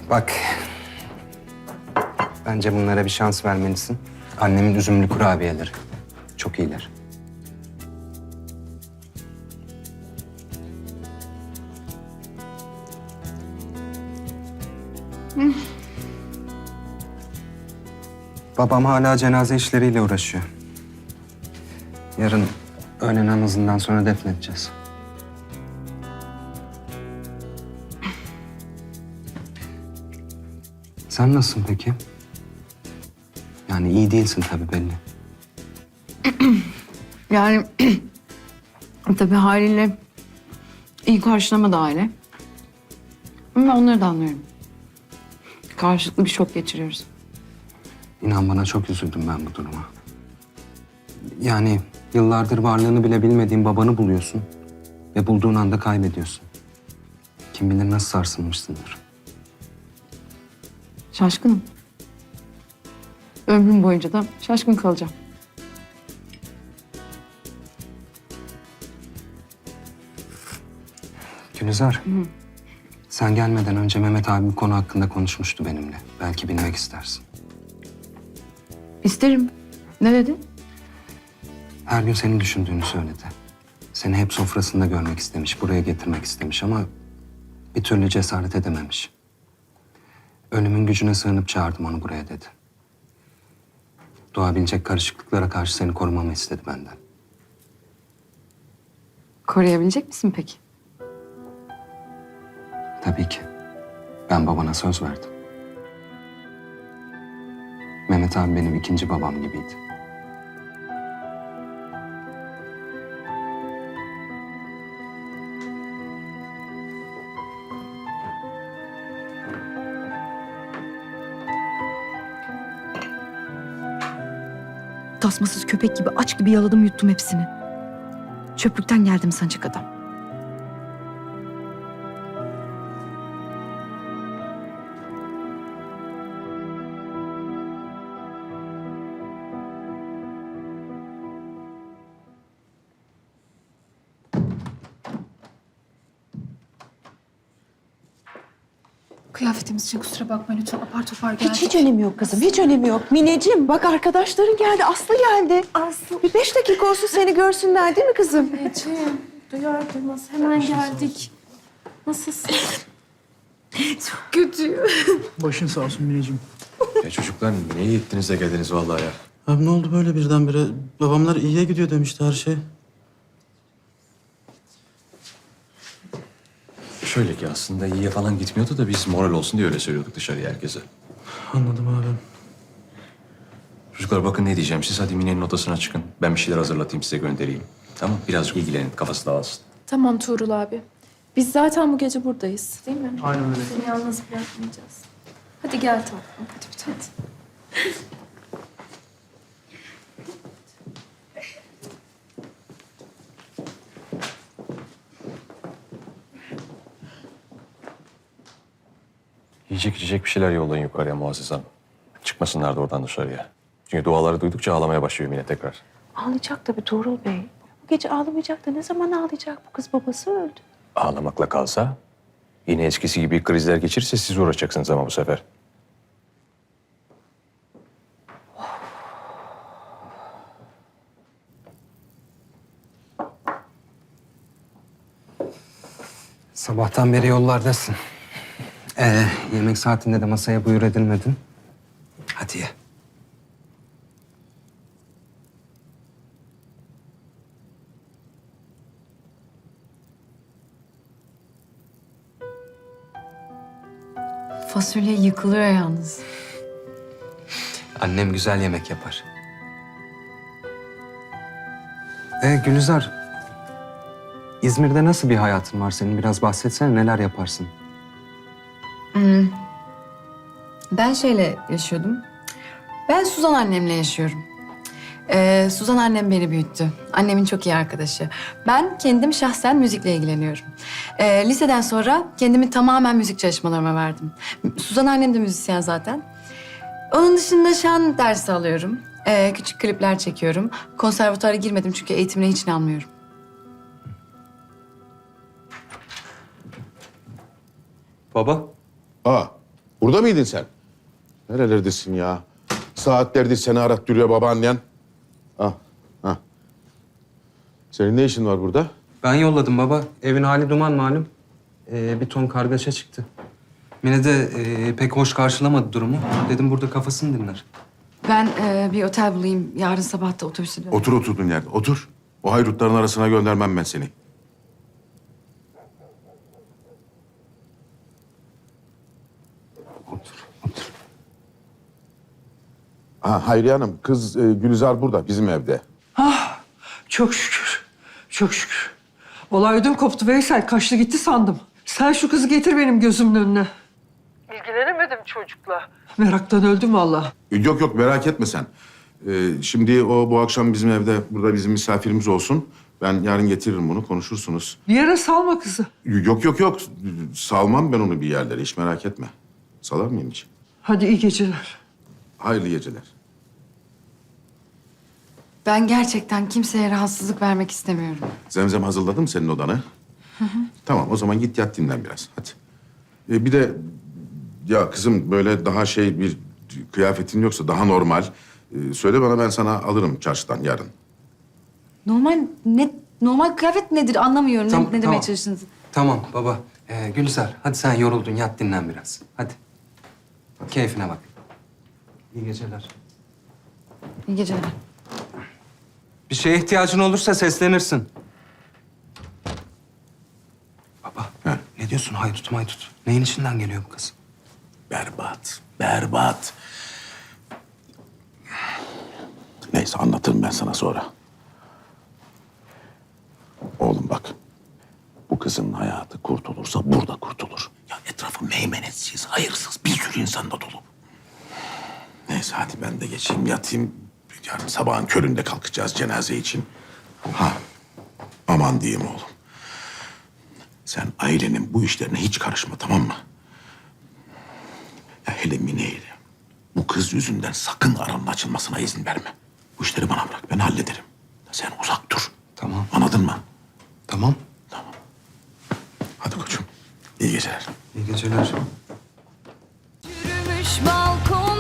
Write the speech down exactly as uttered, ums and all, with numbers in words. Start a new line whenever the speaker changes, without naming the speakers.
Bak. Bence bunlara bir şans vermelisin. Annemin üzümlü kurabiyeleri. Çok iyiler. Babam hala cenaze işleriyle uğraşıyor. Yarın öğle namazından sonra defnedeceğiz. Sen nasılsın peki? Yani iyi değilsin tabii belli.
Yani tabii haliyle iyi karşılamadı aile. Ama onları da anlıyorum. Karşılıklı bir şok geçiriyoruz.
İnan bana çok üzüldüm ben bu duruma. Yani yıllardır varlığını bile bilmediğin babanı buluyorsun ve bulduğun anda kaybediyorsun. Kim bilir nasıl sarsılmışsındır.
Şaşkınım. Ömrüm boyunca da şaşkın kalacağım.
Gülizar, sen gelmeden önce Mehmet abi bu konu hakkında konuşmuştu benimle. Belki bilmek istersin.
İsterim. Ne dedi?
Her gün seni düşündüğünü söyledi. Seni hep sofrasında görmek istemiş, buraya getirmek istemiş ama bir türlü cesaret edememiş. Ölümün gücüne sığınıp çağırdım onu buraya dedi. Doğabilecek karışıklıklara karşı seni korumamı istedi benden.
Koruyabilecek misin peki?
Tabii ki. Ben babana söz verdim. Mehmet abi benim ikinci babam gibiydi.
Tasmasız köpek gibi aç gibi yaladım yuttum hepsini. Çöplükten geldim sancak adam.
Kıyafetimiz için kusura bakma lütfen, apar topar geldik.
Hiç hiç önemi yok kızım, hiç önemi yok. Mineciğim bak arkadaşların geldi, Aslı geldi. Aslı. Bir beş dakika olsun seni görsünler değil mi kızım?
Mineciğim, duyar duymaz hemen geldik. Nasılsın? Çok kötü.
Başın sağ olsun Mineciğim.
Ya çocuklar ne iyi ettiniz de geldiniz vallahi ya.
Abi ne oldu böyle birdenbire? Babamlar iyiye gidiyor demişti her şey.
Şöyle ki aslında iyiye falan gitmiyordu da biz moral olsun diye öyle söylüyorduk dışarıya herkese.
Anladım abi.
Çocuklar bakın ne diyeceğim. Siz hadi Mine'nin odasına çıkın. Ben bir şeyler hazırlatayım size göndereyim. Tamam birazcık ilgilenin kafası dağılsın.
Tamam Tuğrul abi. Biz zaten bu gece buradayız değil mi?
Aynen öyle.
Seni yalnız bırakmayacağız. Hadi gel tatlım. Hadi bir tane.
Yiyecek içecek bir şeyler yollayın yukarıya Muazzez Hanım. Çıkmasınlar da oradan dışarıya. Çünkü duaları duydukça ağlamaya başlıyor Mine tekrar.
Ağlayacak tabii Tuğrul Bey. Bu gece ağlamayacak da ne zaman ağlayacak? Bu kız babası öldü.
Ağlamakla kalsa yine eskisi gibi krizler geçirirse siz uğraşacaksınız ama bu sefer.
Sabahtan beri yollardasın. Ee, yemek saatinde de masaya buyur edilmedin. Hadi ye.
Fasulye yıkılıyor yalnız.
Annem güzel yemek yapar. Ee, Gülizar, İzmir'de nasıl bir hayatın var senin? Biraz bahsetsene, neler yaparsın?
Ben şeyle yaşıyordum. Ben Suzan annemle yaşıyorum. Ee, Suzan annem beni büyüttü. Annemin çok iyi arkadaşı. Ben kendim şahsen müzikle ilgileniyorum. Ee, liseden sonra kendimi tamamen müzik çalışmalarıma verdim. Suzan annem de müzisyen zaten. Onun dışında şan dersi alıyorum. Ee, küçük klipler çekiyorum. Konservatuara girmedim çünkü eğitimine hiç inanmıyorum.
Baba.
Aa, Burada mıydın sen? Nerelerdesin ya? Saatlerdir seni arat duruyor babaannen. Ah, ah. Senin ne işin var burada?
Ben yolladım baba. Evin hali duman malum. Ee, bir ton kargaşa çıktı. Mine de e, pek hoş karşılamadı durumu. Dedim burada kafasını dinler.
Ben e, bir otel bulayım. Yarın sabah da otobüsü dön.
Otur oturduğun yerde, otur. O haydutların arasına göndermem ben seni.
Otur, otur.
Ha, Hayriye Hanım, kız e, Gülizar burada, bizim evde.
Çok şükür. Çok şükür. Olay ödüm koptu Veysel. Kaçtı gitti sandım. Sen şu kızı getir benim gözümün önüne. İlgilenemedim çocukla. Meraktan öldüm vallahi.
Yok yok, merak etme sen. Ee, şimdi o bu akşam bizim evde, burada bizim misafirimiz olsun. Ben yarın getiririm bunu, konuşursunuz.
Bir yere salma kızı.
Yok yok yok, salmam ben onu bir yerlere, hiç merak etme. Salar mıyım hiç?
Hadi iyi geceler.
Hayırlı geceler.
Ben gerçekten kimseye rahatsızlık vermek istemiyorum.
Zemzem hazırladı mı senin odanı? Tamam, o zaman git yat dinlen biraz, hadi. Ee, bir de, ya kızım böyle daha şey bir kıyafetin yoksa daha normal. Ee, söyle bana, ben sana alırım çarşıdan yarın.
Normal ne normal kıyafet nedir anlamıyorum.
Tamam,
ne, ne demeye
tamam.
çalıştınız?
Tamam baba. Ee, Gülizar, hadi sen yoruldun. Yat dinlen biraz. Hadi. Keyfine bak. İyi geceler.
İyi geceler.
Bir şeye ihtiyacın olursa seslenirsin. Baba,
He.
ne diyorsun haydut maydut? Neyin içinden geliyor bu kız?
Berbat, berbat. Neyse, anlatırım ben sana sonra. Oğlum bak, bu kızın hayatı kurtulursa burada kurtulur. Ya etrafı meymenetsiz, hayırsız bir sürü insan da dolu. Neyse hadi ben de geçeyim, yatayım. Yarın sabahın köründe kalkacağız cenaze için. Ha, aman diyeyim oğlum. Sen ailenin bu işlerine hiç karışma, tamam mı? Ya hele Mine'yle bu kız yüzünden sakın aranın açılmasına izin verme. Bu işleri bana bırak, ben hallederim. Sen uzak dur.
Tamam.
Anladın mı?
Tamam.
Hadi koçum. İyi geceler.
İyi geceler.
Yürümüş balkon